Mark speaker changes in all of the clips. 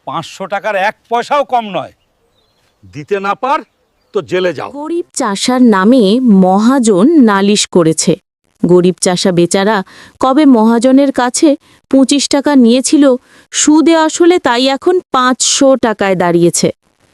Speaker 1: 500 টাকার 1 পয়সাও কম নয়। দিতে না পার তো জেলে যাও।
Speaker 2: গরিব চাষার নামে মহাজন নালিশ করেছে। গরিব চাষা বেচারা কবে মহাজনের কাছে 25 টাকা নিয়েছিল, সুদে আসলে তাই এখন 500 টাকায় দাঁড়িয়েছে।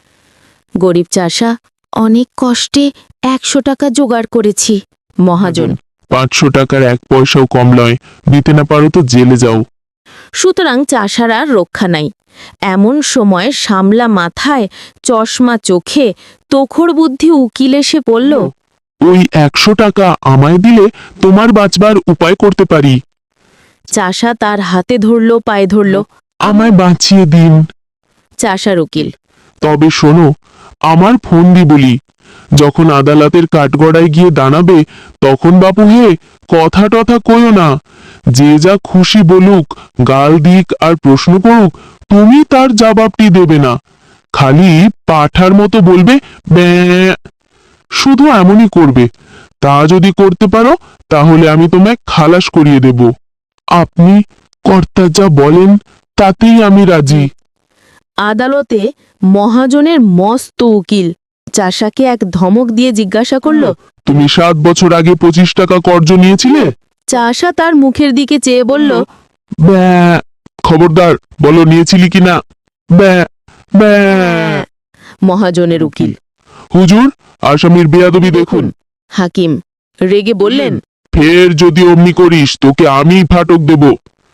Speaker 2: গরিব চাষা অনেক কষ্টে 100 টাকা জোগাড় করেছি। মহাজন
Speaker 3: 500 টাকার 1 পয়সাও কম নয়, দিতে না পারো তো জেলে যাও।
Speaker 2: সুতরাং চাষার আর রক্ষা নাই। এমন সময় সামলা মাথায়, চশমা চোখে, তোখর বুদ্ধি উকিল এসে পড়ল।
Speaker 3: ওই 100 টাকা আমায় দিলে তোমার বাঁচবার উপায় করতে পারি।
Speaker 2: চাষা তার হাতে ধরল, পায়ে ধরল।
Speaker 3: আমায় বাঁচিয়ে দিন।
Speaker 2: চাষার উকিল
Speaker 3: তবে শোনো, আমার ফোন দি বলি, যখন আদালতের কাঠগড়ায় গিয়ে দাঁড়াবে তখন বাপু হে কথা টথা কইও না। যে যা খুশি বলুক, গাল দিক আর প্রশ্ন করুক, তুমি তার জবাবটি দেবে না। খালি পাঠার মতো বলবে ব্যাঁ। শুধু এমনই করবে। তা যদি করতে পারো তাহলে আমি তোমায় খালাস করিয়ে দেব। আপনি কর্তা যা বলেন তাতেই আমি রাজি।
Speaker 2: আদালতে মহাজনের মস্ত উকিল চাষাকে এক ধমক দিয়ে জিজ্ঞাসা করল,
Speaker 3: তুমি 7 বছর আগে 25 টাকা কর্জ নিয়েছিলে?
Speaker 2: চাষা তার মুখের দিকে চেয়ে বলল,
Speaker 3: ব্যাঁ। খবরদার বলো নিয়েছিলি কিনা। ব্যাঁ ব্যাঁ।
Speaker 2: মহাজনের উকিল
Speaker 3: হুজুর, আসামির বেয়াদবি দেখুন।
Speaker 2: হাকিম রেগে বললেন,
Speaker 3: ফের যদি অমনি করিস তোকে আমি ফাটক দেব।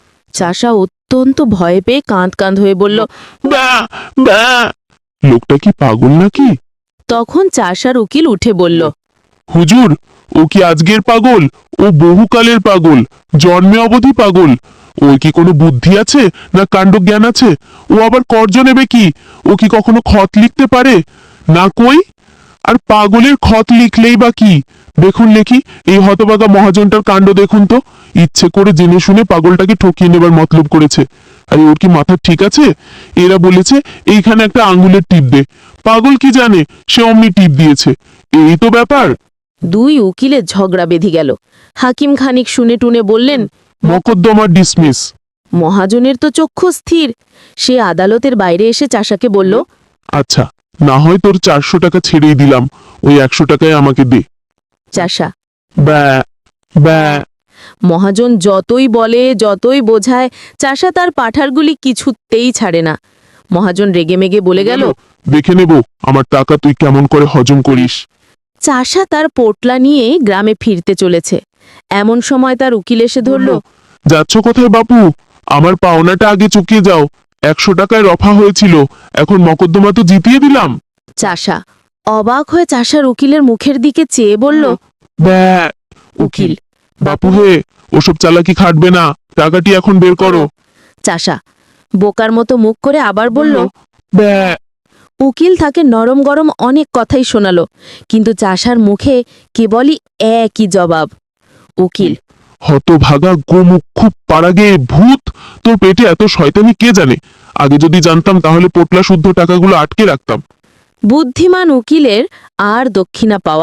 Speaker 2: চাষা অত্যন্ত ভয় পেয়ে কাঁদ কাঁদ হয়ে বলল,
Speaker 3: ব্যাঁ ব্যাঁ। লোকটা কি পাগল নাকি?
Speaker 2: তখন চাষার উকিল উঠে বলল,
Speaker 3: হুজুর, ও কি আজকের পাগল? ও বহুকালের পাগল, জন্মে অবধি পাগল। ওর কি কোনো বুদ্ধি আছে না কাণ্ডজ্ঞান আছে? ও আবার কর্জ নেবে কি? ও কি কখনো খত লিখতে পারে? না কই। আর পাগলের খত লিখলেই বা কি? দেখুন লেখি, এই হতভাগা মহাজনটার কাণ্ড দেখুন তো। ইচ্ছে করে জেনে শুনে পাগলটাকে ঠকিয়ে নেবার মতলব করেছে। আরে ওর কি মাথা ঠিক আছে? এরা বলেছে এইখানে একটা আঙ্গুলের টিপ দে। পাগল কি জানে, সে অমনি টিপ দিয়েছে। এই তো ব্যাপার।
Speaker 2: দুই উকিলের ঝগড়া বেঁধে গেল। হাকিম খানিক শুনে টুনে বললেন,
Speaker 3: মকদ্দমা ডিসমিস।
Speaker 2: মহাজনের তো চক্ষু স্থির। সে আদালতের বাইরে এসে চাষাকে বলল,
Speaker 3: আচ্ছা, না হয় তোর 400 টাকা ছেড়েই দিলাম, ওই 100 টাকায় আমাকে দে।
Speaker 2: চাষা
Speaker 3: ব্যা ব্যা।
Speaker 2: মহাজন যতই বলে যতই বোঝায়, চাষা তার পাঠারগুলি কিছুতেই ছাড়ে না। মহাজন রেগেমেগে বলে গেল,
Speaker 3: দেখে নেব আমার টাকা তুই কেমন করে হজম করিস।
Speaker 2: চাষা তার পোটলা নিয়ে গ্রামে ফিরতে চলেছে। এমন সময় তার উকিল এসে ধরল,
Speaker 3: যাচ্ছ কোথায় বাপু? আমার পাওনাটা আগে চুকিয়ে যাও। 100 টাকায় রফা হয়েছিল, এখন মকদ্দমা তো জিতিয়ে দিলাম।
Speaker 2: চাষা অবাক হয়ে চাষার উকিলের মুখের দিকে চেয়ে বলল,
Speaker 3: ব্যা।
Speaker 2: উকিল
Speaker 3: বাপু হে, ওসব চালাকি খাটবে না, টাকাটি এখন বের করো।
Speaker 2: চাষা বোকার মতো মুখ করে আবার বলল,
Speaker 3: ব্যা।
Speaker 2: উকিল তাকে নরম গরম অনেক কথাই শোনালো, কিন্তু চাষার মুখে কেবলই একই জবাব। উকিল
Speaker 3: হতভাগা গোমুখ পাড়াগে ভূত, তোর পেটে এত শয়তানি কে জানে? আগে যদি জানতাম তাহলে পোটলা শুদ্ধ টাকাগুলো আটকে রাখতাম।
Speaker 2: বুদ্ধিমান উকিলের আর দক্ষিণা পাওয়া